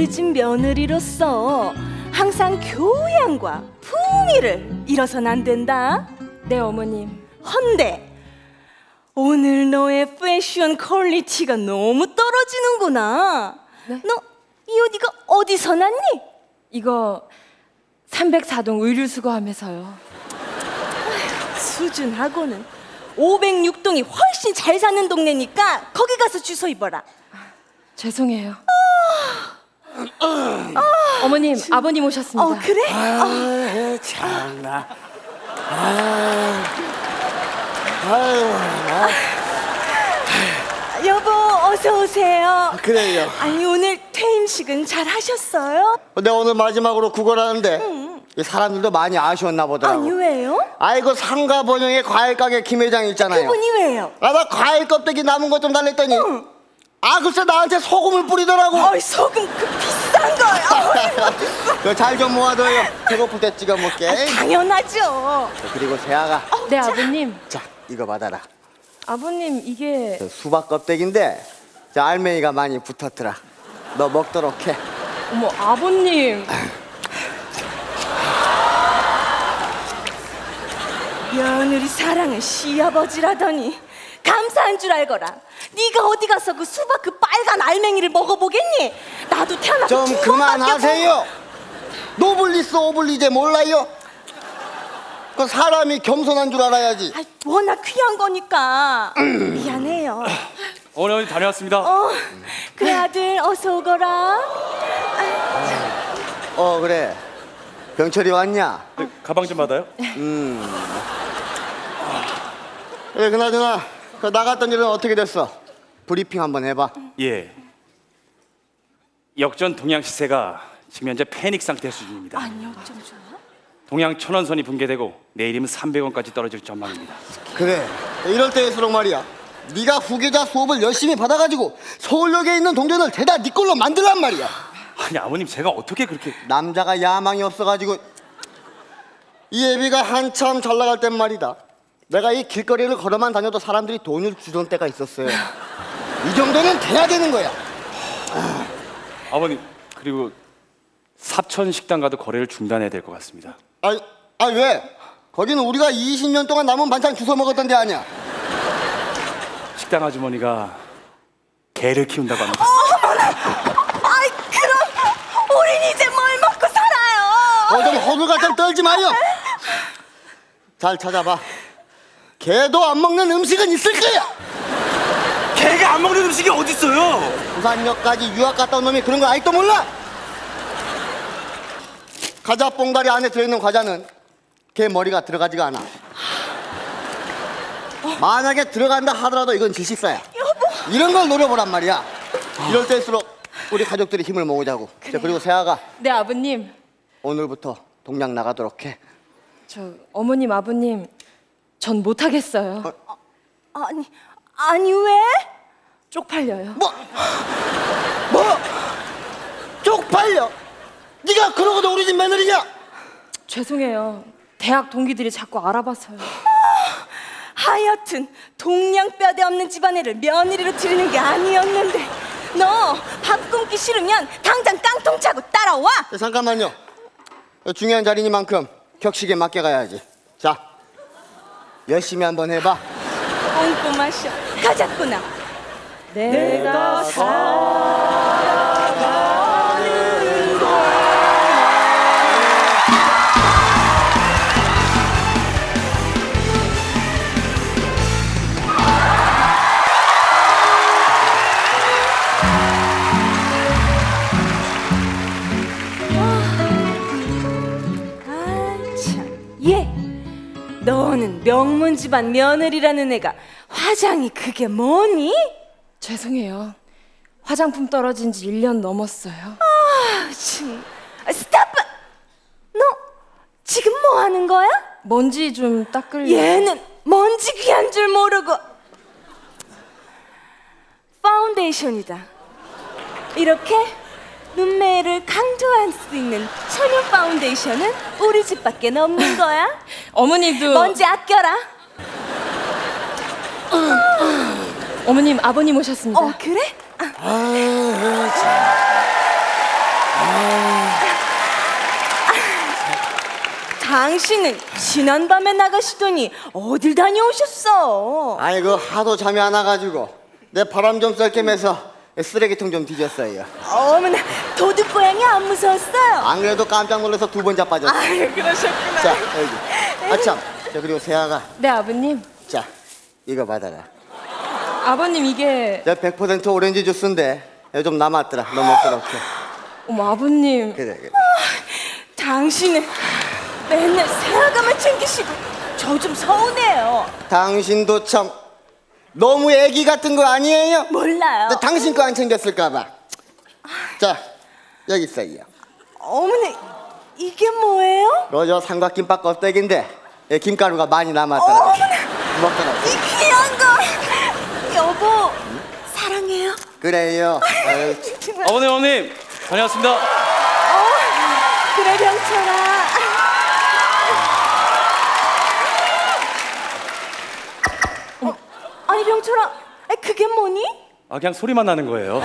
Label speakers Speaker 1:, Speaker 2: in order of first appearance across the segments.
Speaker 1: 우리 집 며느리로서 항상 교양과 품위를 잃어선 안 된다.
Speaker 2: 네, 어머님.
Speaker 1: 헌데 오늘 너의 패션 퀄리티가 너무 떨어지는구나.
Speaker 2: 네?
Speaker 1: 너 이 옷 이거 어디서 났니?
Speaker 2: 이거 304동 의류수거함에서요.
Speaker 1: 수준하고는 506동이 훨씬 잘 사는 동네니까 거기 가서 주소 입어라.
Speaker 2: 죄송해요. 어머님, 아버님 오셨습니다.
Speaker 1: 그래?
Speaker 3: 아유 참나. 아유.
Speaker 1: 여보 어서 오세요.
Speaker 3: 그래요.
Speaker 1: 아니 오늘 퇴임식은 잘 하셨어요?
Speaker 3: 근데 오늘 마지막으로 구걸하는데 이 사람들도 많이 아쉬웠나 보더라고.
Speaker 1: 아니 왜요?
Speaker 3: 아이고 상가 번영의 과일 가게 김 회장 있잖아요.
Speaker 1: 그분이 왜요?
Speaker 3: 나 과일 껍데기 남은 것 좀 달랬더니 글쎄 나한테 소금을 뿌리더라고.
Speaker 1: 어이 소금 그 비싼 거요.
Speaker 3: 잘 좀 모아둬요. 배고플 때 찍어 먹게.
Speaker 1: 당연하죠.
Speaker 3: 그리고 세아가
Speaker 2: 네, 아버님.
Speaker 3: 자 이거 받아라.
Speaker 2: 아버님, 이게
Speaker 3: 수박 껍데기인데 자 알맹이가 많이 붙었더라. 너 먹도록 해.
Speaker 2: 어머, 아버님.
Speaker 1: 며느리 사랑은 시아버지라더니 감사한 줄 알거라. 네가 어디 가서 그 수박 그 빨간 알맹이를 먹어보겠니? 나도 태어나서
Speaker 3: 좀
Speaker 1: 두 번밖에
Speaker 3: 그만하세요. 노블리스 오블리제 몰라요? 그 사람이 겸손한 줄 알아야지.
Speaker 1: 아이, 워낙 귀한 거니까 미안해요.
Speaker 4: 어머니 다녀왔습니다.
Speaker 1: 그래 아들 어서 오거라.
Speaker 3: 그래. 병철이 왔냐?
Speaker 4: 네, 가방 좀 받아요.
Speaker 3: 그래 그나저나 그 나갔던 일은 어떻게 됐어? 브리핑 한번 해봐.
Speaker 4: 예. 역전 동양 시세가 지금 현재 패닉 상태 수준입니다.
Speaker 1: 아니요 좀 좋아.
Speaker 4: 동양 천원선이 붕괴되고 내일이면 300원까지 떨어질 전망입니다.
Speaker 3: 그래. 이럴 때일수록 말이야. 네가 후계자 수업을 열심히 받아가지고 서울역에 있는 동전을 대다 네 걸로 만들란 말이야.
Speaker 4: 아니 아버님 제가 어떻게 그렇게
Speaker 3: 남자가 야망이 없어가지고 이 애비가 한참 잘 나갈 땐 말이다. 내가 이 길거리를 걸어만 다녀도 사람들이 돈을 주던 때가 있었어요. 이 정도는 돼야 되는 거야.
Speaker 4: 아버님 그리고 사천 식당 가도 거래를 중단해야 될 것 같습니다.
Speaker 3: 왜? 거기는 우리가 20년 동안 남은 반찬 주워 먹었던 데 아니야.
Speaker 4: 식당 아주머니가 개를 키운다고 합니다.
Speaker 1: 아이 그럼 우린 이제 뭘 먹고 살아요?
Speaker 3: 좀 허물같이 좀 떨지 마요. 잘 찾아봐. 개도 안 먹는 음식은 있을 거야.
Speaker 4: 개가 안 먹는 음식이 어디 있어요?
Speaker 3: 부산역까지 유학 갔다 온 놈이 그런 거 아직도 몰라? 과자 봉다리 안에 들어있는 과자는 개 머리가 들어가지가 않아. 만약에 들어간다 하더라도 이건 질식사야. 이런 걸 노려보란 말이야. 이럴 때일수록 우리 가족들이 힘을 모으자고. 자, 그리고 세아가
Speaker 2: 네, 아버님.
Speaker 3: 오늘부터 동양 나가도록 해.
Speaker 2: 어머님, 아버님. 전 못하겠어요.
Speaker 1: 아니 왜?
Speaker 2: 쪽팔려요.
Speaker 3: 뭐? 쪽팔려? 네가 그러고도 우리 집 며느리냐?
Speaker 2: 죄송해요. 대학 동기들이 자꾸 알아봐서요.
Speaker 1: 하여튼 동양뼈대 없는 집안애를 며느리로 들이는 게 아니었는데 너 밥 굶기 싫으면 당장 깡통 차고 따라와.
Speaker 3: 자, 잠깐만요. 중요한 자리니만큼 격식에 맞게 가야지. 자, 열심히 한번 해봐.
Speaker 1: 꼼꼼하셔. 가자꾸나.
Speaker 2: 내가
Speaker 1: 너는 명문 집안 며느리라는 애가 화장이 그게 뭐니?
Speaker 2: 죄송해요. 화장품 떨어진 지 1년 넘었어요.
Speaker 1: 스탑! 너 지금 뭐 하는 거야?
Speaker 2: 먼지 좀 닦으려.
Speaker 1: 얘는 먼지 귀한 줄 모르고. 파운데이션이다. 이렇게 눈매를 강조할 수 있는 천연 파운데이션은 우리 집밖에 없는 거야.
Speaker 2: 어머니도.
Speaker 1: 먼지 아껴라.
Speaker 2: 어머님, 아버님 오셨습니다.
Speaker 1: 그래? 당신은 지난밤에 나가시더니 어딜 다녀오셨어?
Speaker 3: 아이고 하도 잠이 안 와가지고 내 바람 좀 쐴 겸해서 쓰레기통 좀 뒤졌어요.
Speaker 1: 어머나, 도둑고양이 안 무서웠어요?
Speaker 3: 안 그래도 깜짝 놀라서 2번 자빠졌어.
Speaker 1: 아유, 그러셨구나.
Speaker 3: 자 여기. 아참. 자 그리고 세아가
Speaker 2: 네, 아버님.
Speaker 3: 자 이거 받아라.
Speaker 2: 아버님 이게
Speaker 3: 100% 오렌지 주스인데 여기 좀 남았더라. 너 먹도록 해.
Speaker 2: 어머 아버님.
Speaker 3: 그래 그래.
Speaker 1: 당신은 맨날 새아가만 챙기시고 저 좀 서운해요.
Speaker 3: 당신도 참 너무 애기 같은 거 아니에요?
Speaker 1: 몰라요.
Speaker 3: 근데 당신 거 안 챙겼을까봐. 자 여기 있어요.
Speaker 1: 어머나, 이게 뭐예요?
Speaker 3: 저 삼각김밥 껍데기인데 김가루가 많이 남았더라.
Speaker 1: 어머나,
Speaker 3: 먹도록.
Speaker 1: 이 귀한 거. 여보, 사랑해요.
Speaker 3: 그래요. 아유,
Speaker 1: 정말.
Speaker 4: 어머님 다녀왔습니다.
Speaker 1: 그래, 병철아. 아니, 병철아, 그게 뭐니?
Speaker 4: 아 그냥 소리만 나는 거예요.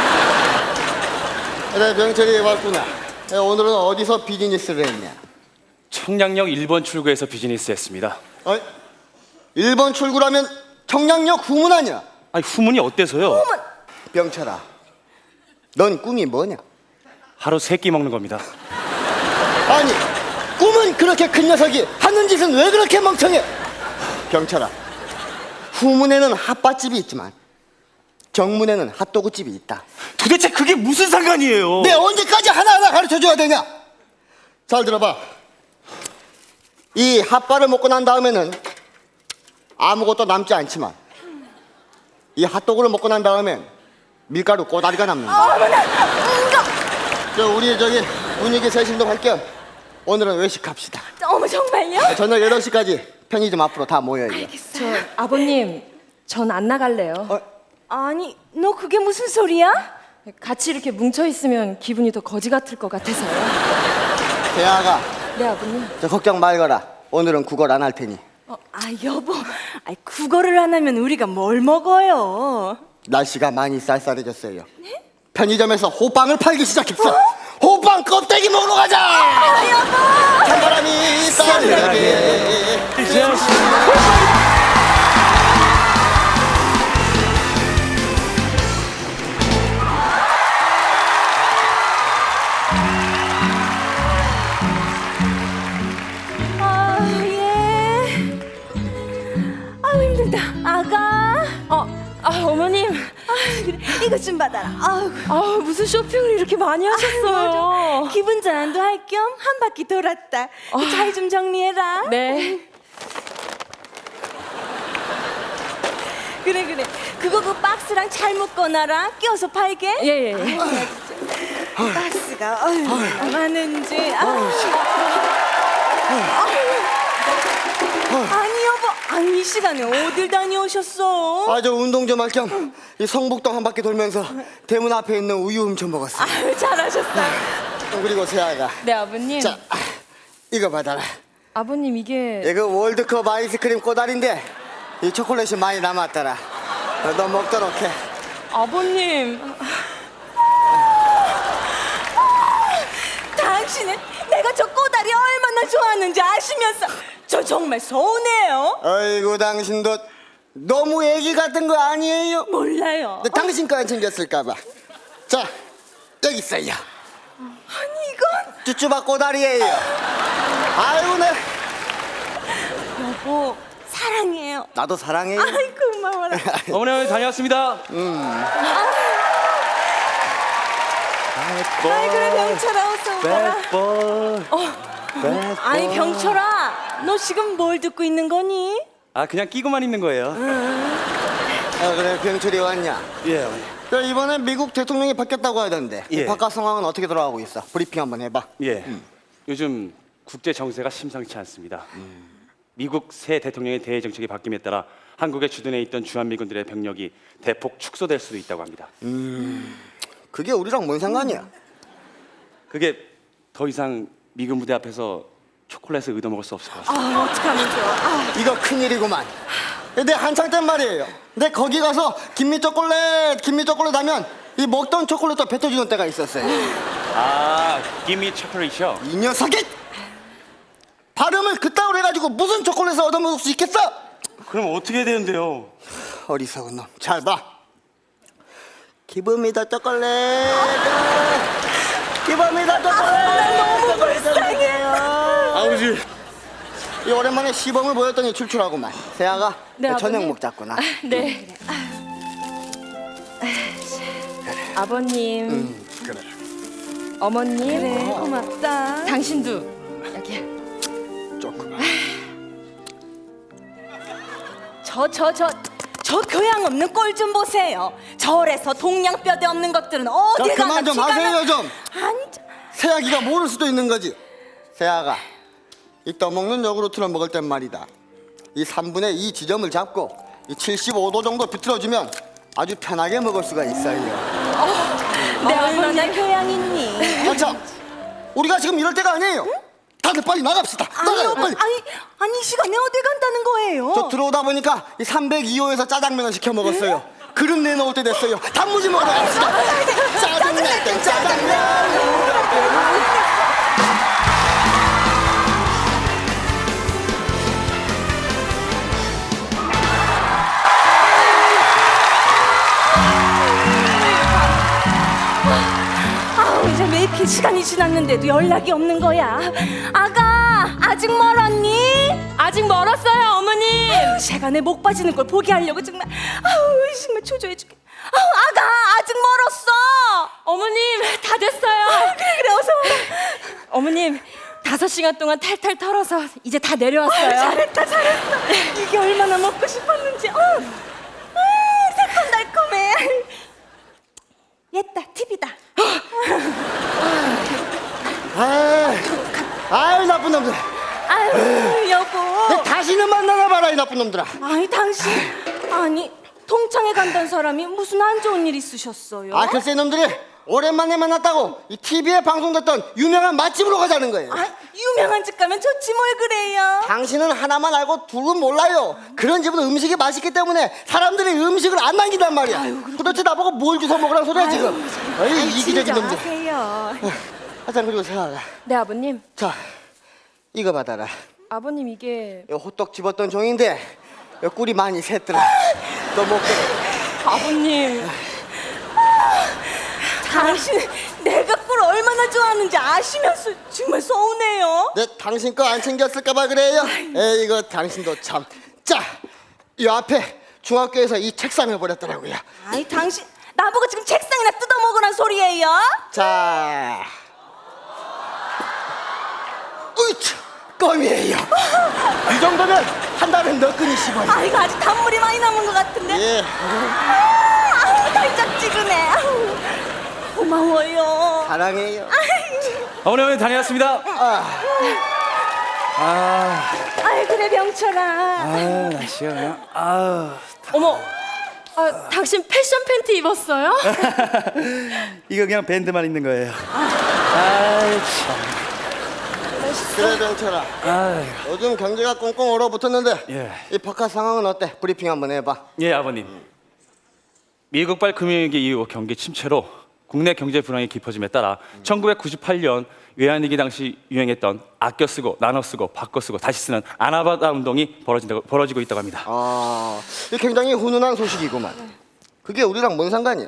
Speaker 3: 그래 병철이 왔구나. 오늘은 어디서 비즈니스를 했냐?
Speaker 4: 청량역 1번 출구에서 비즈니스 했습니다.
Speaker 3: 어? 1번 출구라면 청량역 후문 아니야?
Speaker 4: 아니 후문이 어때서요?
Speaker 3: 병철아, 넌 꿈이 뭐냐?
Speaker 4: 하루 3끼 먹는 겁니다.
Speaker 3: 아니, 꿈은 그렇게 큰 녀석이 하는 짓은 왜 그렇게 멍청해? 병철아, 후문에는 핫바집이 있지만 정문에는 핫도그집이 있다.
Speaker 4: 도대체 그게 무슨 상관이에요?
Speaker 3: 내 언제까지 하나하나 가르쳐줘야 되냐? 잘 들어봐. 이 핫바를 먹고 난 다음에는 아무것도 남지 않지만 이 핫도그를 먹고 난 다음엔 밀가루 꼬다리가 남는다.
Speaker 1: 어머나,
Speaker 3: 우리 분위기 세신도 할 겸 오늘은 외식합시다.
Speaker 1: 어머, 정말요?
Speaker 3: 저녁 8시까지 편의점 앞으로 다 모여요.
Speaker 2: 저 아버님 전 안 나갈래요.
Speaker 1: 아니, 너 그게 무슨 소리야?
Speaker 2: 같이 이렇게 뭉쳐 있으면 기분이 더 거지 같을 것 같아서요.
Speaker 3: 대아가
Speaker 2: 네, 아버님.
Speaker 3: 저 걱정 말거라. 오늘은 국어를 안 할 테니.
Speaker 1: 여보, 국어를 안 하면 우리가 뭘 먹어요?
Speaker 3: 날씨가 많이 쌀쌀해졌어요. 편의점에서 호빵을 팔기 시작했어. 호빵 껍데기 먹으러 가자.
Speaker 1: 여보!
Speaker 3: 찬바람이 쌀쌀하게.
Speaker 1: 예. 힘들다. 아가.
Speaker 2: 어머님.
Speaker 1: 그래, 이것 좀 받아라.
Speaker 2: 무슨 쇼핑을 이렇게 많이 하셨어요.
Speaker 1: 기분 전환도 할 겸 한 바퀴 돌았다. 잘 좀 정리해라.
Speaker 2: 네.
Speaker 1: 그래. 그거 그 박스랑 잘 묶어놔라. 끼워서 팔게.
Speaker 2: 예.
Speaker 1: 박스가 얼마나 많은지. 아니 여보, 이 시간에 어딜 다녀오셨어?
Speaker 3: 저 운동 좀 할 겸 이 성북동 한 바퀴 돌면서 대문 앞에 있는 우유 훔쳐 먹었어.
Speaker 1: 잘하셨어.
Speaker 3: 그리고 세아가
Speaker 2: 네, 아버님.
Speaker 3: 자 이거 받아라.
Speaker 2: 아버님 이게
Speaker 3: 이거 월드컵 아이스크림 꼬다리인데 이 초콜릿이 많이 남았더라. 너 먹도록 해.
Speaker 2: 아버님.
Speaker 1: 당신은 내가 저 꼬다리 얼마나 좋아하는지 아시면서 저 정말 서운해요.
Speaker 3: 아이고 당신도 너무 애기 같은 거 아니에요?
Speaker 1: 몰라요.
Speaker 3: 근데 당신 거 안 챙겼을까봐. 자 여기 있어요.
Speaker 1: 아니 이건
Speaker 3: 쭈쭈바 꼬다리예요. 아이고 내
Speaker 1: 여보 사랑해요.
Speaker 3: 나도 사랑해요.
Speaker 1: 아이 고마워라.
Speaker 4: 어머니 다녀왔습니다.
Speaker 1: 아이 그래 병철아 어서 오거라. 아니 병철아 너 지금 뭘 듣고 있는 거니?
Speaker 4: 아 그냥 끼고만 있는 거예요.
Speaker 3: 그래 병철이 왔냐?
Speaker 4: 예 어머니.
Speaker 3: 그래, 이번에 미국 대통령이 바뀌었다고 하던데
Speaker 4: 예.
Speaker 3: 바깥 상황은 어떻게 돌아가고 있어? 브리핑 한번 해봐.
Speaker 4: 예. 요즘 국제 정세가 심상치 않습니다. 미국 새 대통령의 대외 정책이 바뀜에 따라 한국에 주둔해 있던 주한미군들의 병력이 대폭 축소될 수도 있다고 합니다.
Speaker 3: 그게 우리랑 뭔 상관이야?
Speaker 4: 그게 더 이상 미군 부대 앞에서 초콜릿을 얻어먹을 수 없을 것 같습니다.
Speaker 1: 어떡하면 좋아.
Speaker 3: 이거 큰일이구만. 내 한창 땐 말이에요. 내 거기 가서 김미 초콜릿 하면 이 먹던 초콜릿도 뱉어주는 때가 있었어요.
Speaker 4: 아, 기미 초콜릿이요?
Speaker 3: 이 녀석이 발음을 그따위로 해가지고 무슨 초콜릿을 얻어먹을 수 있겠어?
Speaker 4: 그럼 어떻게 해야 되는데요?
Speaker 3: 어리석은 놈. 잘 봐. 기분이다 초콜릿. 기분이다 초콜릿.
Speaker 1: 너무 불쌍해.
Speaker 3: 아버지. 이 오랜만에 시범을 보였더니 출출하구만. 세아가
Speaker 2: 네,
Speaker 3: 저녁
Speaker 2: 아버님.
Speaker 3: 먹자꾸나.
Speaker 2: 네. 아버님,
Speaker 3: 그래.
Speaker 2: 어머님,
Speaker 1: 그래, 고맙다.
Speaker 2: 당신도 여기야.
Speaker 3: 조금만.
Speaker 1: 저 교양 없는 꼴 좀 보세요. 절에서 동양뼈대 없는 것들은
Speaker 3: 자,
Speaker 1: 어디 가나
Speaker 3: 그만 좀
Speaker 1: 피가
Speaker 3: 하세요
Speaker 1: 나-
Speaker 3: 좀.
Speaker 1: 앉아.
Speaker 3: 세아기가 모를 수도 있는 거지. 세아가 이 떠먹는 요구르트를 먹을 땐 말이다. 이 3분의 2 지점을 잡고 이 75도 정도 비틀어주면 아주 편하게 먹을 수가 있어요.
Speaker 1: 내 얼마나 교양 있니?
Speaker 3: 자, 우리가 지금 이럴 때가 아니에요. 다들 빨리 나갑시다. 나가요 빨리.
Speaker 1: 아니 이 시간에 어디 간다는 거예요?
Speaker 3: 저 들어오다 보니까 이 302호에서 짜장면을 시켜 먹었어요. 그릇 내놓을 때 됐어요. 단무지 먹으러 갑시다. 짜장면 땡 짜장면.
Speaker 1: 아우 이제 왜 이렇게 시간이 지났는데도 연락이 없는 거야? 아가 아직 멀었니?
Speaker 2: 아직 멀었어요, 어머님.
Speaker 1: 제가 내 목 빠지는 걸 보게 하려고 정말 아우 정말 초조해 죽겠. 아우 아가 아직 멀었어.
Speaker 2: 어머님, 다 됐어요.
Speaker 1: 그래 어서 와.
Speaker 2: 어머님, 5시간 동안 탈탈 털어서 이제 다 내려왔어요.
Speaker 1: 잘했다. 이게 얼마나 먹고 싶었는지. 새콤달콤해. 옛다 TV다.
Speaker 3: 아유 나쁜 놈들.
Speaker 1: 아유 여보.
Speaker 3: 다시는 만나나 봐라 이 나쁜 놈들아.
Speaker 1: 아니 당신 아니 통창에 간다는 사람이 무슨 안 좋은 일 있으셨어요?
Speaker 3: 아 글쎄 놈들이 오랜만에 만났다고 이 TV에 방송됐던 유명한 맛집으로 가자는 거예요.
Speaker 1: 아, 유명한 집 가면 좋지 뭘 그래요?
Speaker 3: 당신은 하나만 알고 둘은 몰라요. 그런 집은 음식이 맛있기 때문에 사람들이 음식을 안 남긴단 말이야. 도대체 나보고 뭘 주워 먹으라는 소리야 지금. 어이 이기적인 놈들.
Speaker 1: 진정하세요.
Speaker 3: 하여튼 그리고 생각해.
Speaker 2: 네, 아버님.
Speaker 3: 자 이거 받아라.
Speaker 2: 아버님, 이게
Speaker 3: 이거 호떡 집었던 종인데 이 꿀이 많이 샜더라. 또 먹게.
Speaker 2: 아버님.
Speaker 1: 당신 내가 꿀 얼마나 좋아하는지 아시면서 정말 서운해요.
Speaker 3: 내 당신 거 안 챙겼을까봐 그래요. 에이 이거 당신도 참. 자, 이 앞에 중학교에서 이 책상을 버렸더라고요.
Speaker 1: 아니 당신 나보고 지금 책상이나 뜯어먹으란 소리예요?
Speaker 3: 자, 으이차, 껌이에요. 이 정도면 한 달에 몇 근이 씹어요.
Speaker 1: 아 이거 아직 단물이 많이 남은 것 같은데.
Speaker 3: 예.
Speaker 1: 아우 달짝지근해. 아우, 고마워요.
Speaker 3: 사랑해요.
Speaker 4: 어머니 다녀왔습니다.
Speaker 1: 아이 그래 병철아.
Speaker 4: 날씨가 그냥
Speaker 2: 어머, 당신 패션 팬티 입었어요?
Speaker 4: 이거 그냥 밴드만 있는 거예요.
Speaker 3: 그래 병철아. 요즘 경제가 꽁꽁 얼어붙었는데
Speaker 4: 예.
Speaker 3: 이 바깥 상황은 어때? 브리핑 한번 해봐.
Speaker 4: 예, 아버님. 미국발 금융위기 이후 경기 침체로 국내 경제 불황이 깊어짐에 따라 1998년 외환위기 당시 유행했던 아껴 쓰고 나눠 쓰고 바꿔 쓰고 다시 쓰는 아나바다 운동이 벌어지고 있다고 합니다.
Speaker 3: 아, 이 굉장히 훈훈한 소식이구만. 그게 우리랑 뭔 상관이야?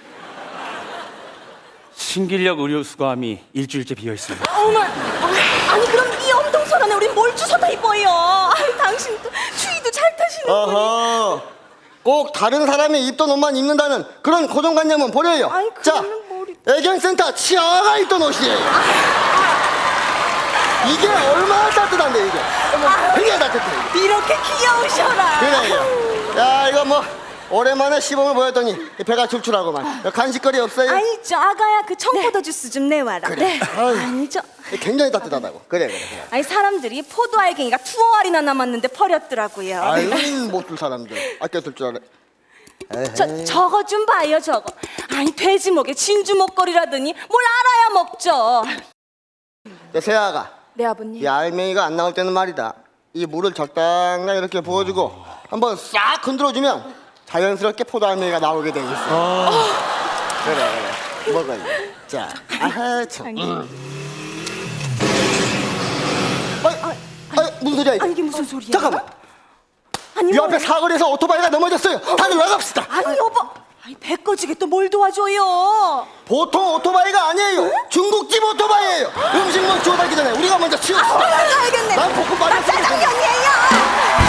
Speaker 4: 신길역 의료 수거함이 일주일째 비어 있습니다.
Speaker 1: 어머, 아니 그럼 이 엄동설안에 우린 뭘 주워다 입어요? 아이 당신도 추위도 잘 타시는
Speaker 3: 어허, 꼭 다른 사람이 입던 옷만 입는다는 그런 고정관념은 버려요.
Speaker 1: 아이,
Speaker 3: 자,
Speaker 1: 그러면 머리-
Speaker 3: 애견센터 치아가 입던 옷이에요. 이게 얼마나 따뜻한데 이게. 되게 따뜻해. 이게.
Speaker 1: 이렇게 귀여우셔라.
Speaker 3: 그래. 야 이거 뭐 오랜만에 시범을 보였더니 배가 출출하고만. 간식거리 없어요?
Speaker 1: 아니 저 아가야 그 청포도 주스 좀 내와라.
Speaker 3: 그래. 아유.
Speaker 1: 아니 저
Speaker 3: 굉장히 따뜻하다고. 그래.
Speaker 1: 아니 사람들이 포도 알갱이가 2알이나 남았는데 버렸더라고요.
Speaker 3: 아유 못줄 사람들 아껴둘 줄 알아.
Speaker 1: 저거 좀 봐요 저거. 아니 돼지 목에 진주 목걸이라더니 뭘 알아야 먹죠.
Speaker 3: 세아가
Speaker 2: 네, 아버님.
Speaker 3: 이 알맹이가 안 나올 때는 말이다. 이 물을 적당히 이렇게 부어주고 한번 싹 흔들어주면 자연스럽게 포도 알맹이가 나오게 돼 있어. 그래. 먹어요. 진짜. 아하 참. 무슨 소리야 이거?
Speaker 1: 아니 이게 무슨 소리야?
Speaker 3: 잠깐만.
Speaker 1: 아니
Speaker 3: 이
Speaker 1: 뭐,
Speaker 3: 앞에 사거리에서 오토바이가 넘어졌어요. 다들 나갑시다.
Speaker 1: 아니 여보, 아니 배 꺼지게 또 뭘 도와줘요?
Speaker 3: 보통 오토바이가 아니에요. 중국집 오토바이예요. 음식 뭐 주워달기 전에 우리가 먼저 치웁시다.
Speaker 1: 알겠네.
Speaker 3: 난 볶음
Speaker 1: 나
Speaker 3: 빠졌어.
Speaker 1: 짜장면이에요.